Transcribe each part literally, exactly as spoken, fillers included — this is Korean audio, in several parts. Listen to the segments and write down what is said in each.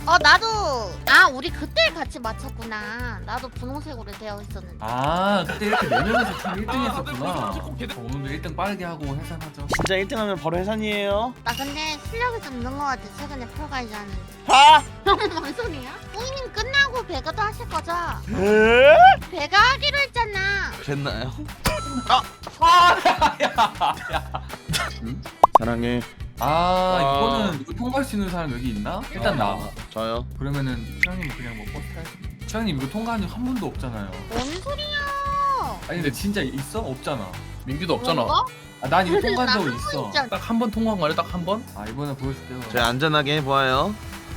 어 나도. 아 우리 그때 같이 맞췄구나. 나도 분홍색으로 되어 있었는데. 아 그때 이렇게 네 명이서 팀 일 등 했었구나. 어, 오늘도 일 등 빠르게 하고 해산하죠. 진짜 일 등 하면 바로 해산이에요. 나 근데 실력이 좀 는 것 같아. 최근에 폴가이즈 하는데. 아! 뭔 소리야? 뽀이님 끝나고 배가도 하실 거죠? 에? 배가 하기로 했잖아. 그랬나요? 아, 사랑해. 아 이거는 이거 통과할 수 있는 사람 여기 있나? 일단 나. 저요. 그러면은 최영님 그냥 뭐 버스 타야지. 최영님 이거 통과한 적 한 번도 없잖아요. 뭔 소리야? 아니 근데 진짜 있어? 없잖아. 민규도 없잖아. 뭔가? 아, 난 이거 통과한 적 나한 번 있어. 있잖아. 딱 한 번 통과한 거 아니야? 딱 한 번? 아 이번에 보여줄게요. 저희 안전하게 해보아요.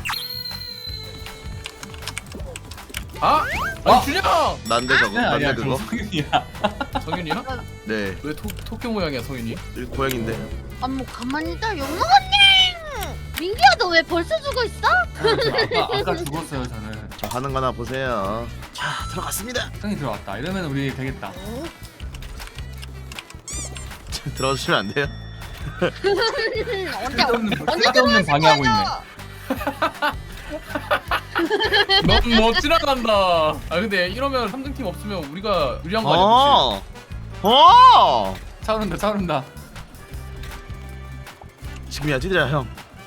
아! 어? 아니 준영! 난데 저거. 아니야 난데 아니야 그거. 정승이야. 성윤이야? 네. 왜 토, 토끼 모양이야 성윤이? 여기 고양인데. 아 뭐 가만히 있다 욕먹었네. 민규야 너 왜 벌써 죽어 있어? 아까 아까 죽었어요 저는. 저 하는 거나 보세요. 자 들어갔습니다. 형이 들어왔다. 이러면 우리 되겠다. 들어주시면 안 돼요? 언제 쓸데없는 언제 쓸데없는 방해하고 있네. 넌 못 지나간다. 아 근데 이러면 삼 등 팀 없으면 우리가 유리한 거 아니야? 어. 어. 차오른다 차오른다. 지금이야 찌들야 형.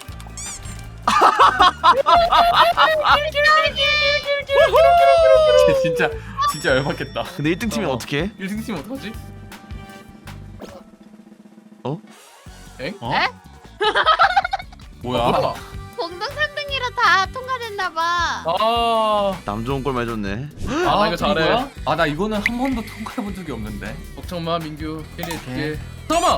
쟤 진짜 진짜 열받겠다. 근데 일 등 팀이 어. 어떻게? 일 등 팀 어떡하지? 어? 엥? 어? 에? 뭐야? 아, 공동 삼 등이라 다 통과됐나봐. 아, 남 좋은 꼴 많이 줬네. 아, 나 이거 잘해. 아 나 이거는 한 번도 통과해 본 적이 없는데. 걱정 마 민규. 캐리해줄게. 잠깐만.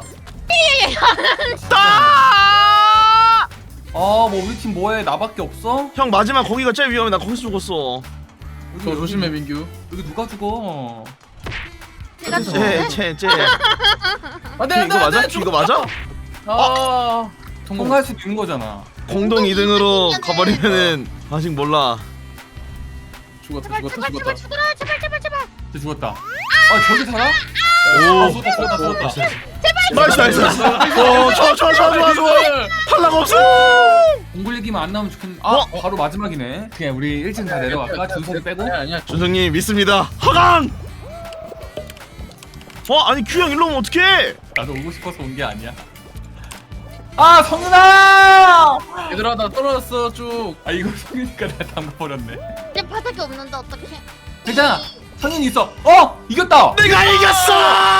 아! 아뭐 우리 팀 뭐해? 나밖에 없어? 형 마지막 거기가 제일 위험해. 나 거기서 죽었어. 여기, 저 여기, 조심해 민규. 여기 누가 죽어? 제가 어디서? 쟤, 쟤, 쟤. 안돼 이거 맞아? 이거 맞아? 아, 통과. 통과할 수도 있는 거잖아. 공동 이 등으로 가버리면은 아직 몰라. 죽었다 제발 죽었다 제발 제발 죽었다. 죽어라 제발 제발 제발. 쟤 죽었다. 아 저기 살아? 오. 죽었다 죽었다 죽었다. 나이스 나이스. 오, 좋아 좋아 좋아 좋아 좋아. 탈락 없어. 공굴 얘기만 안 나오면 좋겠는데. 아 어? 바로 마지막이네. 그냥 우리 일 층 다 내려갈까? 준석이 빼고? 아니야 아니야. 준성님 믿습니다. 허강. 어 아니 큐형 일로 오면 어떡해? 나도 오고 싶어서 온 게 아니야. 아 성윤아! 얘들아 나 떨어졌어 쭉. 아 이거 성윤이가 나 담가버렸네. 내 바닥에 없는데 어떡해? 괜찮아. 성윤이 있어. 어 이겼다. 내가 이겼어.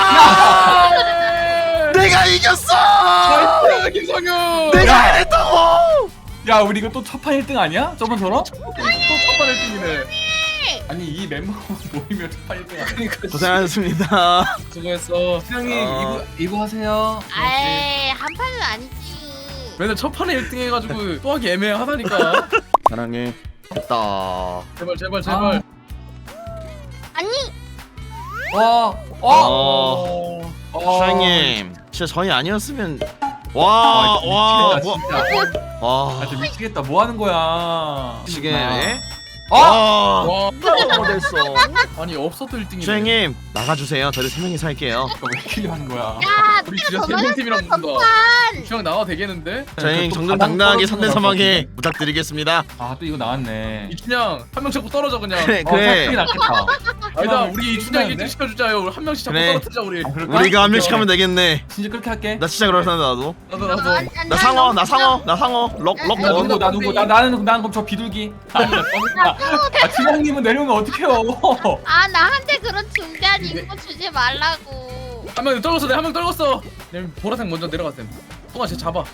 내가 이겼어. 나이스 김성윤. 내가 해냈다고. 야 우리 이거 또 첫판 일 등 아니야? 저번처럼? 또 첫판 일 등이네. 아니 이 멤버만 모이면 첫판 일 등 아니야? 고생하셨습니다. 수고했어. 수영님 어. 이부 이부 하세요. 아이 한 판은 아니지. 맨날 첫 판에 일 등 해가지고 또 하기 애매하다니까. 사랑해. 됐다. 제발 제발 제발. 아니 와. 어. 어. 어. 슈양님 진짜 저희 아니었으면 와, 와와 이거 뭐, 미치겠다, 진짜. 와 아, 진짜 미치겠다. 뭐 하는 거야? 지금 어? 와 와 됐어. 아니 없어도 일 등이네. 슈양님 나가주세요. 저희 세 명이 살게요. 이거 왜 이렇게 하는 거야? 야 우리 네가 진짜 더 세 명 팀이랑 많았어 붙는다. 전판. 주영 나와 되겠는데? 저희 또 정정당당하게 바닥 삼 대 삼하게 떨어지는 부탁드리겠습니다. 아 또 이거 나왔네. 이춘향 한 명 자꾸 떨어져 그냥. 그래 어, 그게 그래 낫겠다. 아니다 어, 우리 이춘향 괜찮은데? 일 등 시켜주자요. 우리 한 명씩 자꾸 그래. 떨어뜨자 우리. 아, 그럴까? 우리가 한 명씩 오케이, 하면 되겠네. 진짜 그렇게 할게. 나 진짜 그렇다 나도. 나도 나도. 아니, 아니, 나 아니, 상어 아니, 나 상어 나 상어 럭럭 나 어, 누구 나 누구 나 나는 난 그럼 저 비둘기. 아 진영님은 내려오면 어떡해요? 아 나한테 그런 중대한 임무 주지 말라고. 한 명 떨궜어. 내가 한 명 떨궜어. 내 보라색 먼저 내려갔음. 똥아 쟤 잡아.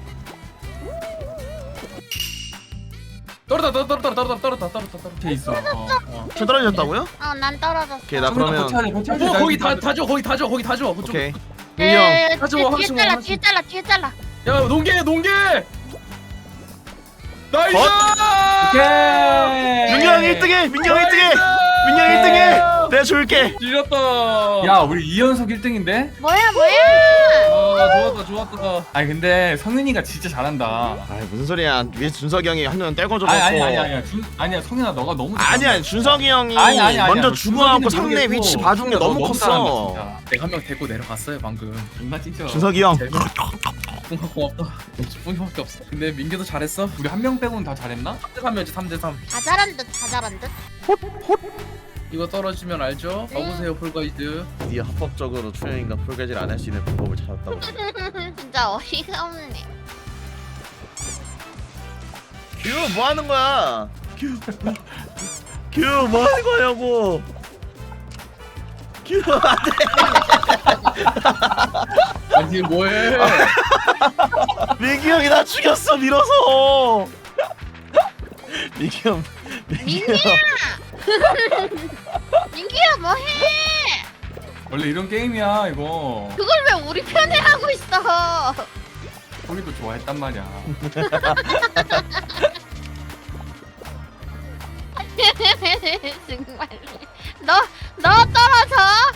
떨어다 떨어다 떨어다 떨어다 떨어다 떨어다 떨어다. 돼 있어. 어. 어. 저 떨어졌다고요? 어 난 떨어졌어. 오케이 나 성윤아, 그러면 버텨야 돼, 버텨야 돼. 어 나 거기 이거 다 다 줘. 거기 다 줘. 거기 다 줘. 그쪽. 오케이. 에, 민영 뒤에 하지 마, 뒤에 하지 마, 잘라 하지 뒤에 잘라 뒤에 잘라. 야 농계 농계. 나이스. 오케이. 민경 일 등해 민경 일 등해 민경 일 등해 내가 줄게. 지렸다. 야 우리 이 연속 일 등인데? 뭐야 뭐야? 아 좋았다 좋았다. 아니 근데 성윤이가 진짜 잘한다. 아 무슨 소리야? 위에 준석이 형이 한 명 떼고 줘놓고. 아니 아니 아니 아니야. 준 아니야 성윤아 너가 너무 아니야 준석이 형이 아니, 아니, 아니야. 먼저 너 주고하고 준석이는 상대 모르겠고 위치 봐준 게 너 너무 너무 잘한다, 컸어. 진짜. 내가 한 명 데리고 내려갔어요 방금. 존나 찐쳐. 준석이 형. 뿡아 고맙다. 뿡이밖에 없어. 근데 민규도 잘했어. 우리 한 명 빼고는 다 잘했나? 삼 대 삼이었지 삼 대 삼. 다 잘한 듯, 다 잘한 듯. 이거 떨어지면 알죠? 가보세요 폴가이드. 드디어 합법적으로 춘향이가 폴가지를 안 할 수 있는 방법을 찾았다고. 진짜 어이가 없네. 규 뭐 하는 거야? 규, 규 뭐 하는 거냐고? 규 안돼. 아니 뭐해? 민규 형이 나 죽였어 밀어서. 민규 형. 민규 형. 민규야 뭐해? 원래 이런 게임이야 이거. 그걸 왜 우리 편에 하고 있어? 우리도 좋아했단 말이야. 정말. 너, 너 떨어져.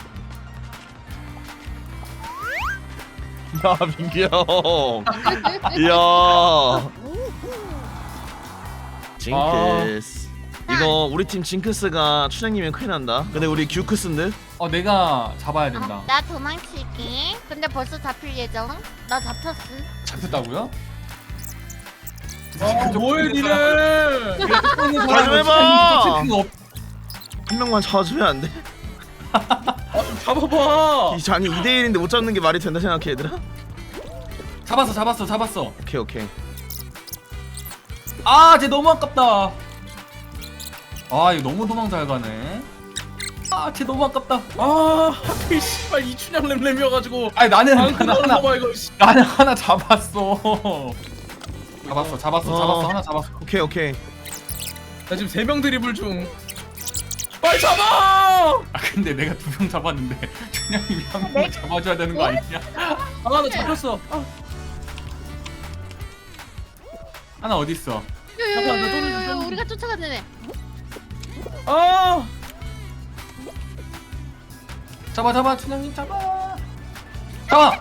야 민규 형. 이야. 징크스. 이거 우리 팀 징크스가 춘향님이면 큰일 난다. 근데 우리 규크스인데? 어 내가 잡아야 된다. 아, 나 도망칠게. 근데 벌써 잡힐 예정. 나 잡혔음. 잡혔다고요? 아 뭐해 니네? 잘 좀 해봐. 한 명만 잡아주면 안 돼? 아좀 잡아봐. 이 장이 이 대 일인데 못 잡는 게 말이 된다 생각해 얘들아? 잡았어 잡았어 잡았어. 오케이 오케이. 아, 쟤 너무 아깝다. 아, 이거 너무 도망 잘 가네. 아, 쟤 너무 아깝다. 아 하필 씨발 이춘향 램램이어가지고. 아니 나는 아 하나 그거 하나 봐봐 이거. 씨. 나는 하나 잡았어. 잡았어, 잡았어, 어. 잡았어, 하나 잡았어. 오케이 오케이. 나 지금 세 명 드리블 중. 빨리 잡아! 아, 근데 내가 두 명 잡았는데 춘향님이 한 명 잡아줘야 되는 거 아니냐? 아 나 잡혔어. 아. 하나 어디 있어? 잠깐만, 나 떨어져, 떨어져. 우리가 쫓아가네. 아. 잡아, 잡아, 춘향님 잡아. 잡아.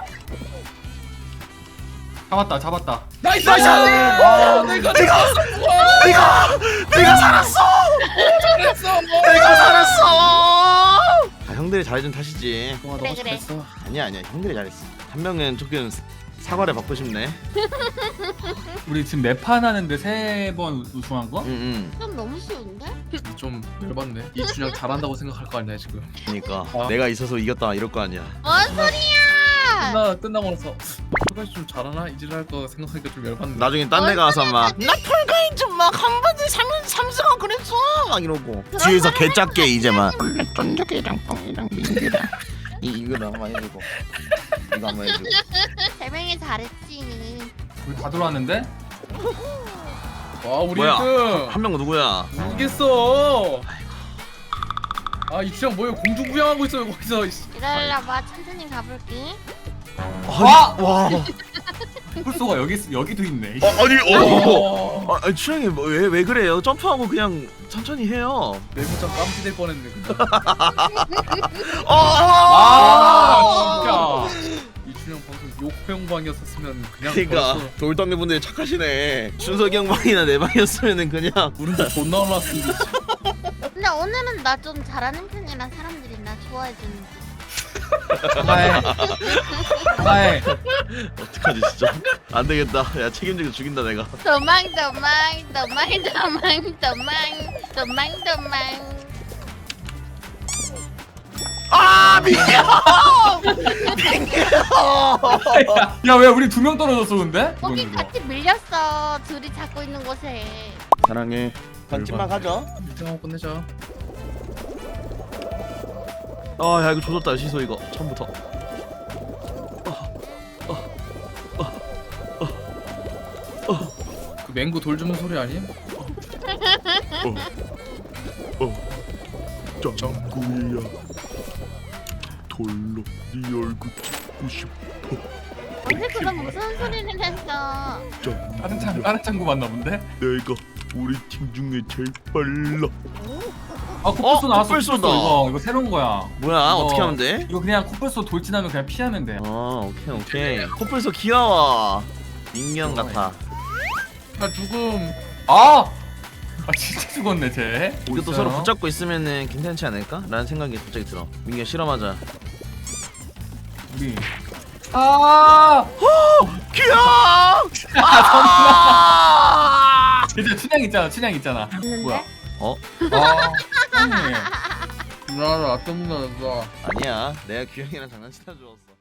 잡았다, 잡았다. 나이스! 나이스! 아, 내가 내가 내가 내가 살았어. 잘했어. 내가 살았어. 아 형들이 잘해준 탓이지. 와 그래, 너무 그래. 잘했어. 아니야 아니야 형들이 잘했어. 한 명은 조금 사과를 받고 싶네. 우리 지금 네 판 하는데 세 번 우승한 거? 응응. 좀 너무 쉬운데? 좀 열받네. 이춘향 잘한다고 생각할 거 아니야 지금. 그러니까 아. 내가 있어서 이겼다 이럴 거 아니야. 뭔 소리야? 끝나 끝나고 나서 폴가이 좀 잘하나 이지를 할 거 생각하니까 좀 열받네. 나중에 딴 데 가서 막 나 폴가인 좀막한 번에 삼 삼승하고 그랬어 막 이러고 뒤에서 개작게 이제 막 쫀득이랑 뻥이랑 민기랑 이 이거 한번 해주고 이거 한번 해주고. 세 명이 잘했지. 우리 다 들어왔는데? 와 우리 뭐야? 일 등. 한 명은 누구야? 모르겠어. 아 이춘향 뭐야 공중 부양하고 있어요 거기서. 이씨. 기다려봐, 천천히 가볼게. 와! 와. 풀소가 여기 있- 여기도 있네. 어, 아니 어. 어. 아, 아니, 추영이 뭐, 왜, 왜 그래요? 점프하고 그냥 천천히 해요. 내부장 깜지될 뻔했네 그냥. 어, 아, 진짜. 이춘향 방송 욕평방이었었으면 그냥 그러니까 벌써 돌덩이 분들이 착하시네. 준석이 형 방이나 내 방이었으면은 그냥 우리도 존나 올랐는데. 근데 오늘은 나 좀 잘하는 편이라 사람들이 나 좋아해주는 듯. 사과해. 사과해. 어떡하지 진짜. 안 되겠다. 야 책임지고 죽인다 내가. 도망 도망 도망 도망 도망 도망 도망. 아 민규! 민규! 야, 왜 우리 두 명 떨어졌어 근데? 거기 이거는 같이 밀렸어. 둘이 잡고 있는 곳에. 사랑해. 던짐만 가져. 일 등하고 끝내자. 아 야 이거 조졌다 시소 이거 처음부터. 그 맹구 돌 주는 소리 아님? 짱구야 돌로 네 얼굴 찍고 싶어. 언제 그럼 무슨 소리를 했어? 다른 창 다른 창구 맞나 본데? 내가 우리 팀 중에 제일 빨라. 아, 코뿔소 어, 나왔어. 코뿔소다. 코뿔소 이거 이거 새로운 거야. 뭐야 이거- 어떻게 하면 돼? 이거 그냥 코뿔소 돌진하면 그냥 피하면 돼. 어 오케이 오케이. 코뿔소 귀여워. 인형 같아. 나 죽음. 아! 아 진짜 죽었네 쟤. 뭐 이것도 있어요? 서로 붙잡고 있으면은 괜찮지 않을까? 라는 생각이 갑자기 들어. 민규 실험하자. 우리 아 귀여워. 아 이제 춘향 있잖아 춘향 있잖아 뭐야 어? 아 형님 나나 아tom나 나. 아니야. 내가 규영이랑 장난치다 주웠어.